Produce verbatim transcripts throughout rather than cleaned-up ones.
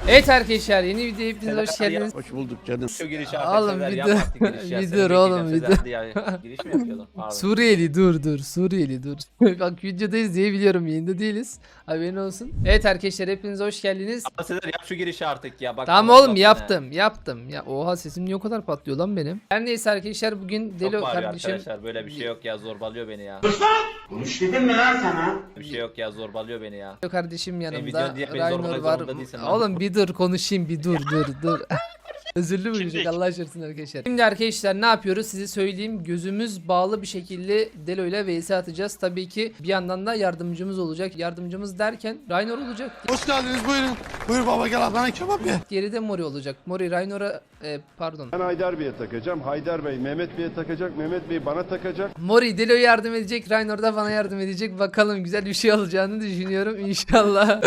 Evet arkadaşlar, yeni videoya hepiniz hoş geldiniz. Hoş bulduk canım. Şu girişi artık Oğlum Sezer bir yapma dur. artık giriş ya. Bir Seni dur oğlum, bekleyeceğim bir Sezer diye giriş mi yapıyordun? Pardon. Suriyeli dur dur Suriyeli dur. Bak videodayız diye biliyorum, yayında değiliz. Haberin olsun. Evet arkadaşlar, hepiniz hoş geldiniz. Ama Sezer yap şu girişi artık ya. Bak, Tamam Allah oğlum, Allah yaptım yaptım. Ya oha, sesim niye o kadar patlıyor lan benim? Her neyse arkadaşlar, bugün Çok Delo bağırıyor kardeşim. arkadaşlar, böyle bir şey yok ya, zorbalıyor beni ya. Konuş dedim mi lan sana? Bir şey yok ya, zorbalıyor beni ya. Delo kardeşim videon yanımda. diye beni Raynor zorlamak var. zorunda değilsin lan. Oğlum bir dur konuşayım, bir dur dur dur. Özürlü mü Şimdi- Allah aşkına arkadaşlar. Şimdi arkadaşlar ne yapıyoruz size söyleyeyim. Gözümüz bağlı bir şekilde Delo ile vs atacağız. Tabii ki bir yandan da yardımcımız olacak. Yardımcımız derken Raynor olacak. Hoş geldiniz, buyurun. Buyur baba, gel bana kebap ye. Diğeri de Mori olacak. Mori Raynor'a e, pardon. Ben Haydar Bey'e takacağım. Haydar Bey Mehmet Bey'e takacak. Mehmet Bey bana takacak. Mori Delo'ya yardım edecek. Raynor da bana yardım edecek. Bakalım güzel bir şey olacağını düşünüyorum. İnşallah.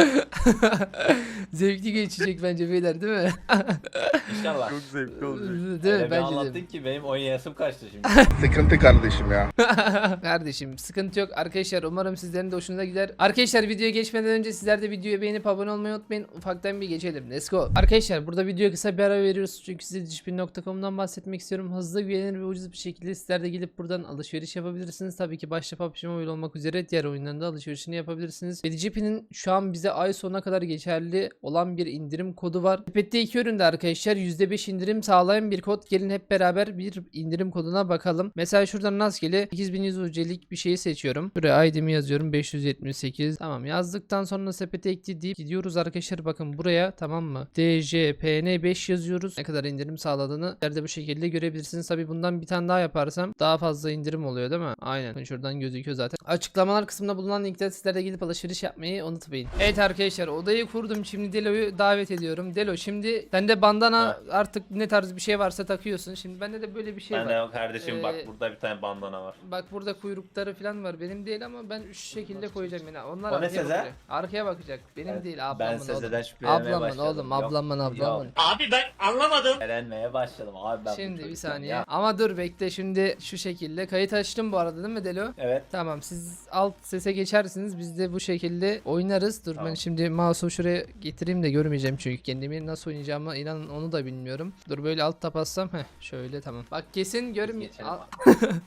Zevkli geçecek bence beyler, değil mi? İnşallah. Çok zevkli olacak. Değil mi? Öyle bir Bence anlattın de. ki benim oynayasım kaçtı şimdi. Sıkıntı kardeşim ya. Kardeşim sıkıntı yok arkadaşlar, umarım sizlerin de hoşunuza gider. Arkadaşlar videoya geçmeden önce sizler de videoyu beğenip abone olmayı unutmayın. Ufaktan bir geçelim, let's go. Arkadaşlar burada videoya kısa bir ara veriyoruz çünkü size dişpin nokta com'dan bahsetmek istiyorum. Hızlı, güvenilir ve ucuz bir şekilde sizler de gelip buradan alışveriş yapabilirsiniz. Tabii ki başta P U B G Mobile olmak üzere diğer oyunlarında alışverişini yapabilirsiniz. Ve Dişpin'in şu an bize ay sonuna kadar geçerli olan bir indirim kodu var. Sepette iki üründe arkadaşlar yüzde beş indirim sağlayan bir kod. Gelin hep beraber bir indirim koduna bakalım. Mesela şuradan rastgele sekiz bin yüz U C'lik bir şeyi seçiyorum. Buraya I D'mi yazıyorum, beş yüz yetmiş sekiz. Tamam, yazdıktan sonra sepete ekle deyip gidiyoruz arkadaşlar, bakın buraya, tamam mı? D J P N beş yazıyoruz. Ne kadar indirim sağladığını nerede bu şekilde görebilirsiniz. Tabi bundan bir tane daha yaparsam daha fazla indirim oluyor değil mi? Aynen, şuradan gözüküyor zaten. Açıklamalar kısmında bulunan linkten sizlere gidip alışveriş yapmayı unutmayın. Evet arkadaşlar, odayı kurdum, şimdi Delo'yu davet ediyorum. Delo, şimdi sende bandana artık ne tarz bir şey varsa takıyorsun. Şimdi bende de böyle bir şey Ben var. de kardeşim Ee, bak, burada bir tane bandana var. Bak burada kuyrukları falan var. Benim değil ama ben şu şekilde koyacağım yine. Onlar O ne arkaya Sezer? bakacak. Arkaya bakacak. Benim Evet, değil, ben ablamın Sezer'den oğlum. şüphelenmeye Ablamın başladım. oğlum, Yok, ablamın yok. ablamın. Abi ben anlamadım. Elenmeye başladım abi ben. bu Şimdi bir çocuktan saniye. ya. Ama dur bekle, şimdi şu şekilde kayıt açtım bu arada değil mi Delo? Evet. Tamam, siz alt sese geçersiniz, biz de bu şekilde oynarız. Dur Tamam. ben şimdi mouse'u şuraya getireyim de görmeyeceğim çünkü kendimi nasıl oynayacağımı inanın onu da bilmiyorum. Dur böyle alt tap bassam, heh şöyle, tamam. Bak kesin görmeyeceğim. Geçelim abi.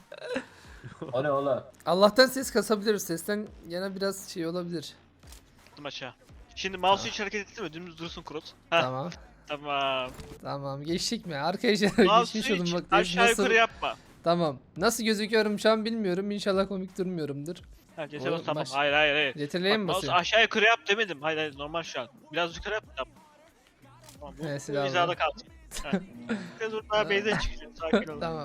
O ne oğlum? Allah'tan ses kasabiliriz, sesten yana biraz şey olabilir. Attım aşağı. Şimdi mouse'u hiç hareket ettirme, dümdüz dursun Kurot. Heh, Tamam. tamam. Tamam, geçtik mi? Arkadaşlar Mouse'u geçmiş olun, hiç bak aşağı nasıl... yukarı yapma. Tamam. Nasıl gözüküyorum şu an bilmiyorum. İnşallah komik durmuyorumdur. Ha, O, cesur tamam. baş- Hayır hayır hayır. Getirleye mi Bak, mouse basıyorum? aşağı yukarı yap demedim. Hayır hayır, normal şu an. Biraz yukarı yap. Tamam. Tamam, bu, He, bu silahlı. hizada kalsın. Heh. Biraz daha base'e çıkacağım. Sakin ol. Tamam.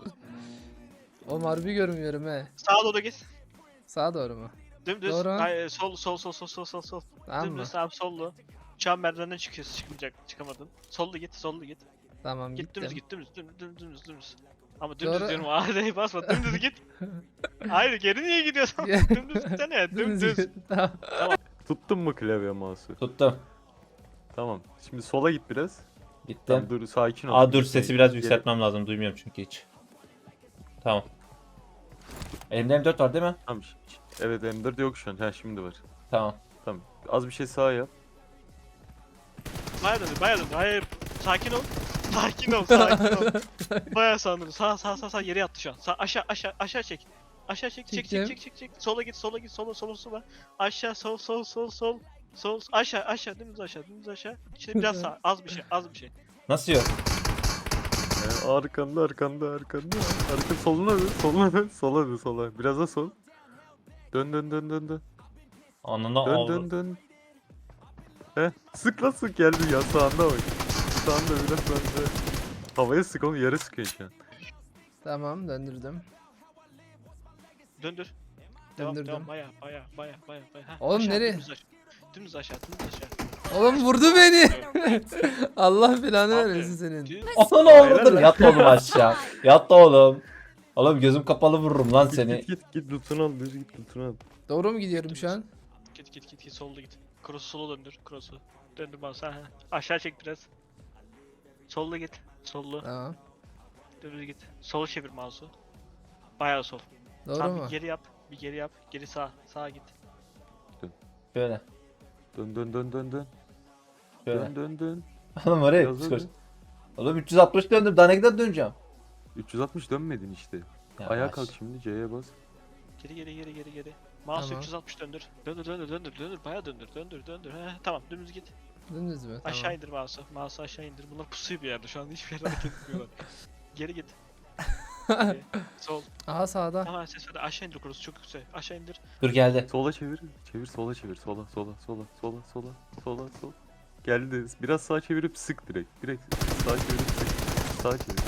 O harbi görmüyorum he. Sağa doğru git. Sağa doğru mu? Dümdüz. Doğru. Hayır, sol sol sol sol sol sol sol. Tamam mı? Dümdüz sağ sollu. Şu an merdivenden çıkıyorsun, çıkmayacak, çıkamadın. Sollu git, sollu git. Tamam, Git gittim. dümdüz git dümdüz dümdüz dümdüz dümdüz dümdüz. Ama dümdüz Doğru. diyorum, ağrıya basma, dümdüz git. Hayır, geri niye gidiyorsun? Dümdüz gitsene, dümdüz. Tamam. Tuttun mu klavye mouse'u? Tuttum. Tamam. Şimdi sola git biraz. Gittim. Tamam, dur sakin ol. Aa dur, Gitme. sesi biraz Geri- yükseltmem lazım, duymuyorum çünkü hiç. Tamam. Elimde M dört var değil mi? Tamam. ş- ş- Evet M dört yok şu an. Ha şimdi var. Tamam. Tamam. Az bir şey sağa yap. Bayağı döndür, bayağı döndür. Hayır, sakin ol. Sakin ol, sakin ol. Bayağı sandım. Sağ sağ sağ sağ yere yattı şu an. Sağ aşağı aşağı aşağı çek. Aşağı çek çek Çektim. çek çek çek çek. Sola git, sola git, sola sola sola. Aşağı sol sol sol sol. Sol aşağı aşağı dümdüz aşağı dümdüz aşağı. Şimdi biraz sağ, az bir şey, az bir şey. Nasıl yok? Ee, arkanda arkanda arkanda. Arka soluna dön. Soluna dön. Sola dön sola. Biraz da sol. Dön dön dön dön dön. Anında Dön aldı. dön dön. Heh. Sık lan sık geldi ya sağında bak. Sağında biraz sağında. Havaya sık onu, yere sıkıyor şu an. Tamam, döndürdüm. Döndür. Devam Döndürdüm. devam baya baya baya baya baya. Heh, Oğlum aşağı, nereye? Dümdüz aşağı. Dümdüz aşağı, dümdüz aşağı. Oğlum vurdu beni. Allah belanı Abi, vermesin senin. Düz- Ananı avradını. Yat oğlum aşağı. Yat oğlum. Oğlum gözüm kapalı vururum lan Git seni. git git git lootunu al. Düz git lootunu al. Doğru mu gidiyorum şu an? Git git git git solda git. Cross'u sola döndür. Cross'u. Döndür bana sen. Aşağı çek biraz. Solda git. Sollu. Tamam. Dümdüz git. Sola çevir mouse'u. Bayağı sol. Doğru Tamam, mu? bir geri yap. Bir geri yap. Geri sağ. Sağa git. Böyle. Dön dön dön dön dön. Şöyle. Dön dön dön. Oğlum oraya Biraz psikoloji. dön. Oğlum üç yüz altmış döndüm. Daha ne kadar döneceğim? üç yüz altmış dönmedin işte. Yavaş. Ayağa kalk şimdi, C'ye bas. Geri geri geri geri geri. Mouse Tamam. üç yüz altmış döndür. Döndür döndür döndür döndür. Bayağı döndür döndür döndür. He, tamam dümdüz git. Dümdüz mü? Aşağı Tamam. indir mouse'u. Mouse'u aşağı indir. Bunlar pusuyor bir yerde. Şu anda hiçbir yere hareket etmiyorlar. Geri git. Geri. Sol. Aha sağda. Tamam ses ver. Aşağı indir kurusu. Çok yüksek. Aşağı indir. Dur geldi. Sola çevir. Çevir sola çevir. Sola sola sola sola sola sola sola. Geldi. Biraz sağa çevirip sık direkt. Direkt sağa çevirip sık. Sağa çevir.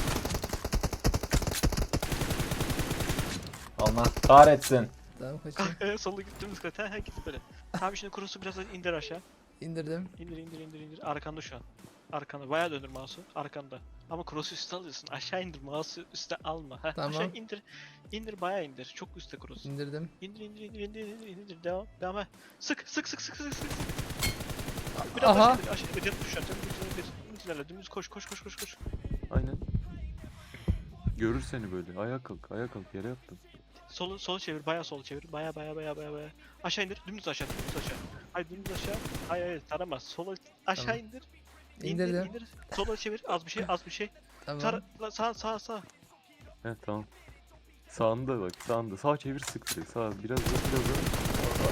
Allah kahretsin. Tamam kaçayım. Solu git dümdüz kat. He he git böyle. Tamam şimdi kurusu biraz daha indir aşağı. İndirdim. İndir indir indir indir. Arkanda şu an. Arkanda. Bayağı döndür mouse'u. Arkanda. Ama cross'u üstte alıyorsun. Aşağı indir. Mouse'u üstte alma. Heh, Tamam. Aşağı indir. İndir bayağı indir. Çok üstte cross. İndirdim. İndir indir indir indir indir indir. Devam. Devam. He. Sık sık sık sık sık sık. Biraz Aha. aşağı indir. Aşağı indir. Yatmış şu an. Dümdüz indir. Dümdüz ilerle. Dümdüz koş koş koş koş koş. Aynen. Görür seni böyle. Ayağa kalk. Ayağa kalk. Yere yattın. Solu sola çevir. Bayağı sola çevir. Bayağı bayağı bayağı bayağı bayağı. Aşağı indir. Dümdüz aşağı. Dümdüz aşağı. Hayır dümdüz aşağı. Hayır hayır taramaz. Sola aşağı Tamam. indir. İndir İndirdim. indir. Sola çevir. Az bir şey az bir şey. Tamam. Tara la- sağ sağ sağ. He tamam. Sağında bak. Sağında. Sağ çevir sık direkt. Sağ. Biraz da biraz da.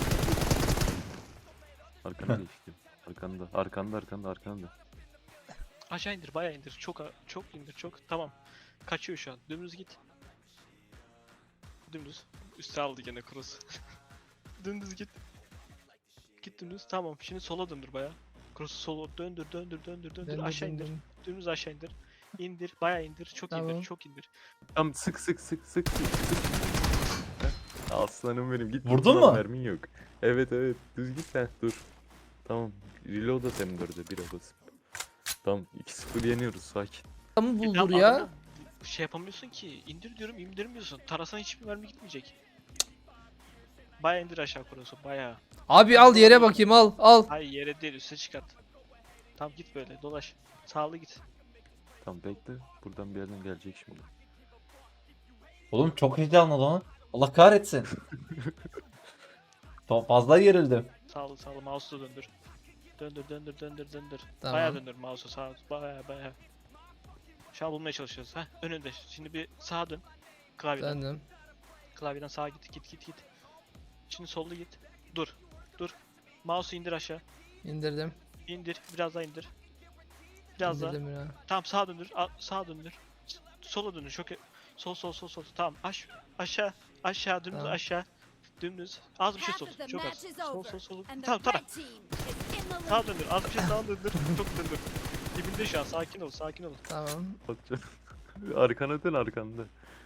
Arkana geçti. Arkanda. Arkanda arkanda arkanda. Aşağı indir, bayağı indir. Çok a- çok indir, çok. Tamam. Kaçıyor şu an. Dümdüz git. Dümdüz. Üste aldı gene cross. Dümdüz git. Git dümdüz. Tamam. Şimdi sola döndür bayağı. Cross'u sola döndür, döndür, döndür, döndür. Döndüm, aşağı indir. döndüm. Dümdüz aşağı indir. İndir, bayağı indir. Çok Tamam. indir, çok indir. Tam sık sık sık sık sık sık. Heh. Aslanım benim git. Vurdun Ulan mu? Mermin yok. Evet evet. Düz git sen. Dur. Tamam. Reload at M dörde bir basıp. Tamam. iki sıfır yeniyoruz. Sakin. Adamı Ya buldur ya. adamı Şey yapamıyorsun ki. İndir diyorum, indirmiyorsun. Tarasan hiçbir mermi gitmeyecek. Bayağı indir aşağı cross'u, bayağı. Abi al yere bakayım al al. Hayır yere değil, üste çıkart. Tamam git böyle dolaş. Sağlı git. Tamam bekle. Buradan bir yerden gelecek şimdi. Oğlum çok heyecanlı lan. Allah kahretsin. Çok fazla gerildim. Sağlı sağlı mouse'u döndür. Döndür döndür döndür döndür. Tamam. Bayağı döndür mouse'u sağa bayağı bayağı. Şu an bulmaya çalışıyoruz ha. Önünde. Şimdi bir sağa dön. Klavyeden. Döndüm. Klavyeden sağa git git git git. Şimdi sollu git. Dur. Dur. Mouse'u indir aşağı. İndirdim. İndir. Biraz daha indir. Biraz daha. İndirdim ya. Tamam sağa döndür. A- sağa döndür. S- Sola döndür. Çok e- sol sol sol sol. Tamam. Aş aşağı aşağı dümdüz Tamam. aşağı. Dümdüz. Az bir şey Half sol. of the Çok az. match is Sol over, sol sol. and the Tamam tara. red team is in the Sağa lead. döndür. Az bir şey sağa döndür. Çok döndür. Dibinde şu an. Sakin ol. Sakin ol. Tamam. Atacağım. Arkana dön arkanda.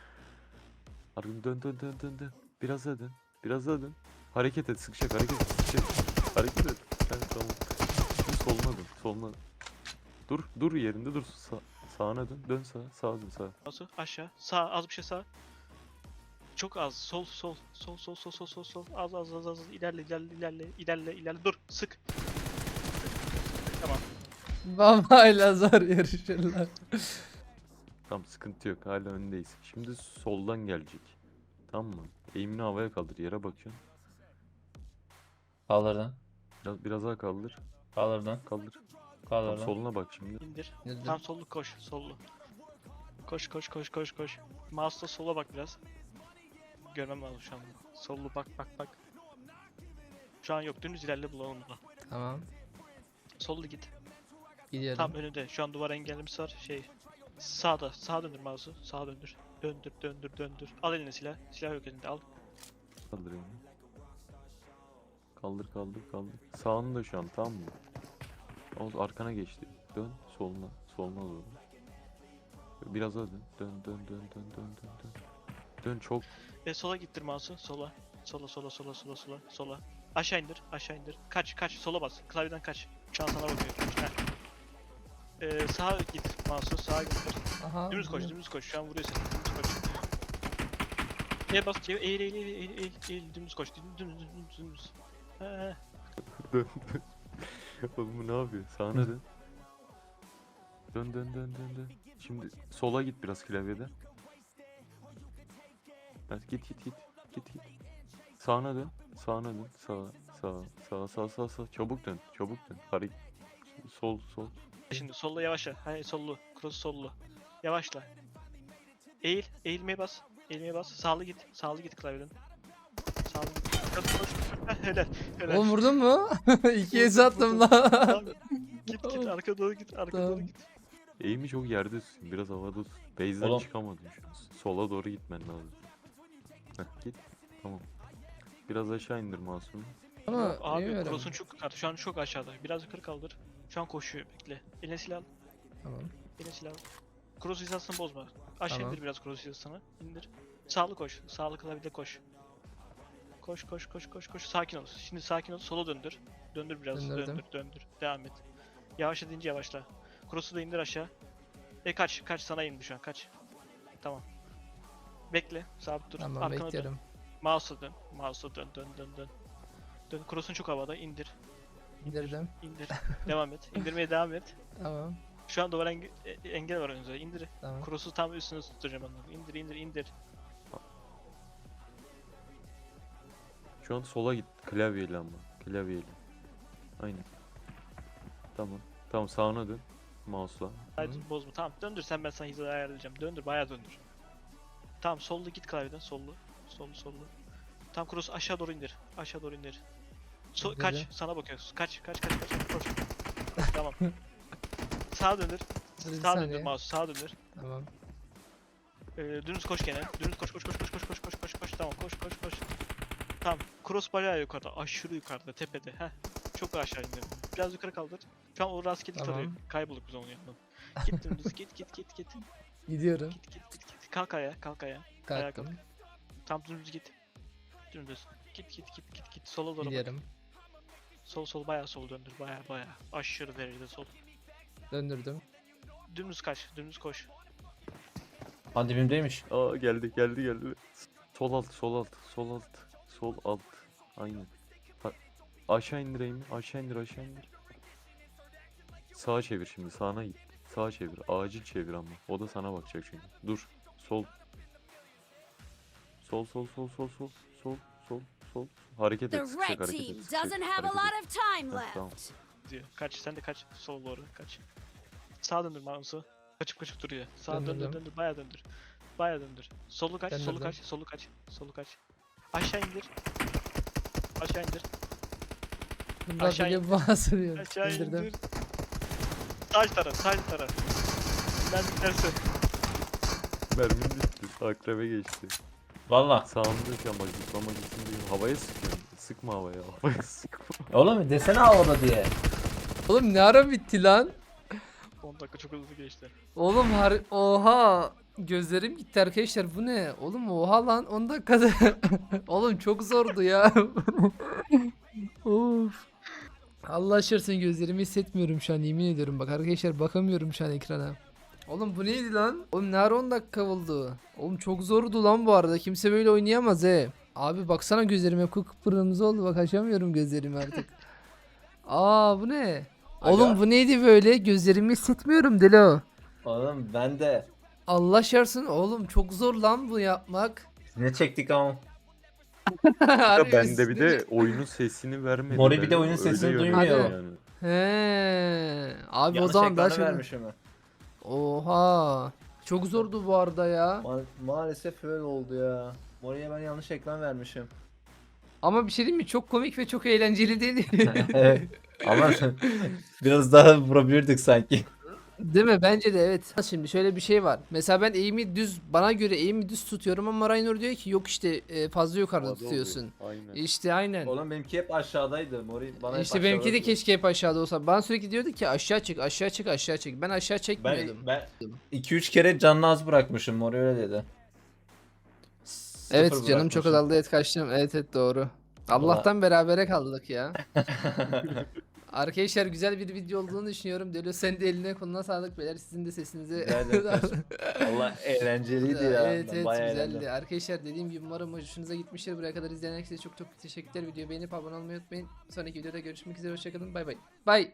Arkan dön dön dön dön dön. Biraz daha dön. Biraz daha dön. Hareket et sıkacak hareket et sıkacak. Hareket et. Evet tamam. Şimdi soluna dön. Soluna. Dur dur yerinde dur. Sa sağına dön. Dön sağa. Sağa dön sağa. Nasıl? Aşağı. Sağ. Az bir şey sağ. Çok az. Sol sol. Sol sol sol sol sol sol. Az az az az. İlerle ilerle ilerle ilerle ilerle. Dur. Sık. Tamam. Babayla zor yarışırlar. Tamam sıkıntı yok. Hala öndeyiz. Şimdi soldan gelecek. Tamam mı? Eğimini havaya kaldır. Yere bakıyorsun. Kaldırdın. Biraz, biraz daha kaldır. Kaldırdın. Kaldır. Tamam, Kaldırdın. soluna bak şimdi. İndir. İndirdim. Tam sollu koş. Sollu. Koş koş koş koş koş. Mouse'la sola bak biraz. Görmem lazım şu an. Sollu bak bak bak. Şu an yok. Dümdüz ilerle bulalım bunu. Tamam. Sollu git. Gidiyorum. Tam önünde. Şu an duvar engellemesi var. Şey. Sağda. Sağa döndür mouse'u. Sağa döndür. Döndür döndür döndür. Al eline silah. Silah yok elinde al. Kaldır elini. Kaldır kaldır kaldır. Sağında şu an tamam mı? O arkana geçti. Dön soluna. Soluna doğru. Biraz daha dön. Dön dön dön dön dön dön dön. Dön çok. E sola gittir mouse'u. Sola. Sola sola sola sola sola sola. Aşağı indir. Aşağı indir. Kaç kaç. Sola bas. Klavyeden kaç. Şu an sana bakıyor. Heh. Ee, sağa git mouse'u. Sağa gittir. Aha. Dümdüz koş, gidiyorum. dümdüz koş. Şu an vuruyor seni. Dümdüz koş. Eğil bas, çevir, eğil, eğil, eğil, eğil, eğil, eğil, dümdüz koş, dümdüz, dümdüz, dümdüz, dümdüz. He, he. Dön dön. Oğlum bu ne yapıyor? Sağına dön. Dön dön dön dön dön. Şimdi sola git biraz klavyede. Evet, git git git. Git git. Sağına dön. Sağına dön. Sağa. Sağa. Sağa. Sağa. Sağa. Sağa. Çabuk dön. Çabuk dön. Hareket. sol sol. Şimdi sollu yavaşla. Hayır sollu. Cross sollu. Yavaşla. Eğil. Eğilmeye bas. Eğilmeye bas. Sağlı git. Sağlı git klavyeden. Sağlı git. Cross koş. Heh, helal. Helal. Oğlum vurdun mu? İkiye sattım lan. Tamam. Git git arka doğru git. Arka Tamam. doğru git. Eğimi çok yerde tutsun. Biraz havada tut. Base'den Oğlum. çıkamadın şu an. Sola doğru gitmen lazım. Heh, git. Tamam. Biraz aşağı indir masumu. Ama Abi bilmiyorum. cross'un çok yukarıda. Şu an çok aşağıda. Biraz yukarı kaldır. Şu an koşuyor. Bekle. Eline silah al. Tamam. Eline silah al. Cross hizasını bozma. Aşağı Tamam. indir biraz cross hizasını. İndir. Sağlı koş. Sağlı klavyede koş. Koş koş koş koş koş. Sakin ol. Şimdi sakin ol. Sola döndür. Döndür biraz. Döndürdüm. Döndür döndür. Devam et. Yavaşla deyince yavaşla. Cross'u da indir aşağı. E kaç. Kaç sana indi şu an. Kaç. Tamam. Bekle. Sabit dur. Tamam Arkana dön. bekliyorum. Mouse'a dön. Mouse'a dön dön dön dön. Dön. Cross'un çok havada. İndir. İndirdim. İndir. Devam et. İndirmeye devam et. Tamam. Şu an duvar enge- e- engel var önünüzde. İndir. Tamam. Cross'u tam üstüne tutacağım onları. İndir indir indir. Şu an sola git. Klavyeyle ama. Klavyeyle. Aynen. Tamam. Tamam sağına dön. Mouse'la. Haydi bozma. Tamam döndür sen ben sana hizayı ayarlayacağım. Döndür bayağı döndür. Tamam sollu git klavyeden sollu. Sollu sollu. Tam cross aşağı doğru indir. Aşağı doğru indir. So İndirdim. kaç sana bakıyoruz. Kaç kaç kaç kaç. Koş. Tamam. Sağa döndür. Dur bir Sağa döndür saniye. mouse. Sağa döndür. Tamam. Ee, dümdüz koş gene. Dümdüz koş koş koş koş koş koş koş koş koş. Tamam koş koş koş. Tamam. Cross bayağı yukarıda. Aşırı yukarıda tepede. Heh. Çok aşağı indir. Biraz yukarı kaldır. Şu an o rastgele Tamam. tarıyor. Kaybolduk biz onu yapalım. Git dümdüz git git git git. Gidiyorum. Git git git git. Kalk ayağa kalk ayağa. Ayağa Kalktım. kalk. Tam dümdüz git. Dümdüz. Git git git git git. Sola doğru bak. Gidiyorum. Sol sol bayağı sol döndür. Bayağı bayağı. Aşırı derecede sol. Döndürdüm. Dümdüz kaç. Dümdüz koş. Ha dibimdeymiş. Aa geldi geldi geldi. Sol alt sol alt sol alt sol alt. Aynen. Ha, aşağı indir eğimi. Aşağı indir aşağı indir. Sağa çevir şimdi sağına git. Sağa çevir. Acil çevir ama. O da sana bakacak çünkü. Dur. Sol. Sol sol sol sol sol sol sol sol. Hareket The et. Sıkacak red hareket team et. sıkacak, doesn't have a hareket lot et. of time Heh, tamam. left. Diyor. Kaç. Sen de kaç. Sol doğru kaç. Sağa döndür mouse'u. Kaçıp kaçıp duruyor. Sağa döndür Döndürdüm. döndür. Bayağı döndür. Bayağı döndür. Solu kaç. Solu Döndürdüm. kaç. Solu kaç. Solu kaç. Aşağı indir. Aşağı indir. Bunlar Aşağı böyle indir. basılıyor. Aşağı İndirdim. indir. Sağ taraf. Sağ taraf. Ben gidersin. Mermin bitti. Akrebe geçti. Valla. Sağında ama zıplama gitsin diye. Havaya sıkıyorum. Sıkma havaya. Havaya sıkma. Oğlum desene havada diye. Oğlum ne ara bitti lan? on dakika çok hızlı geçti. Oğlum har oha. Gözlerim gitti arkadaşlar bu ne? Oğlum oha lan on dakikada. Oğlum çok zordu ya. Of. Allah aşkına gözlerimi hissetmiyorum şu an yemin ediyorum bak arkadaşlar bakamıyorum şu an ekrana. Oğlum bu neydi lan? Oğlum ne ara on dakika oldu? Oğlum çok zordu lan bu arada kimse böyle oynayamaz he. Abi baksana gözlerim hep kıpkırmızı oldu bak açamıyorum gözlerimi artık. Aa bu ne? Oğlum bu neydi böyle? Gözlerimi hissetmiyorum Delo. Oğlum ben de. Allah şarsın oğlum çok zor lan bu yapmak. Ne çektik ama. Harbi Ben de bir üstüne- de oyunun sesini vermedi. Mori bir de Ben oyunun öyle sesini yönlendim duymuyor. yani. He. Abi o Yanlış zaman daha ekranı çok. vermişim ben. Oha. Çok zordu bu arada ya. Ma- maalesef öyle oldu ya. Mori'ye ben yanlış ekran vermişim. Ama bir şey diyeyim mi? Çok komik ve çok eğlenceli değil mi? Evet. Ama biraz daha vurabilirdik sanki. Değil mi? Bence de evet. Şimdi şöyle bir şey var. Mesela ben eğimi düz, bana göre eğimi düz tutuyorum ama Raynor diyor ki yok işte e, fazla yukarıda Havada tutuyorsun. oluyor, Aynen. İşte aynen. Oğlum benimki hep aşağıdaydı. Mori bana hep İşte benimki de aşağıdaydı. keşke hep aşağıda olsa. Bana sürekli diyordu ki aşağı çık, aşağı çık, aşağı çık. Ben aşağı çekmiyordum. Ben ben iki üç kere canını az bırakmışım. Mori öyle dedi. Evet Sıfır canım çok bırakmışım. azaldı et kaçtım. Evet evet doğru. Allah'tan berabere kaldık ya. Arkadaşlar güzel bir video olduğunu düşünüyorum. Delo sen de eline koluna sağlık beyler. Sizin de sesinize. Rica ederim kardeşim. Allah eğlenceliydi ya. Evet Ben evet bayağı güzeldi. eğlendim. Arkadaşlar dediğim gibi umarım hoşunuza gitmiştir. Buraya kadar izleyen herkese çok çok teşekkürler. Videoyu beğenip abone olmayı unutmayın. Sonraki videoda görüşmek üzere. Hoşçakalın. Bay bay. Bay.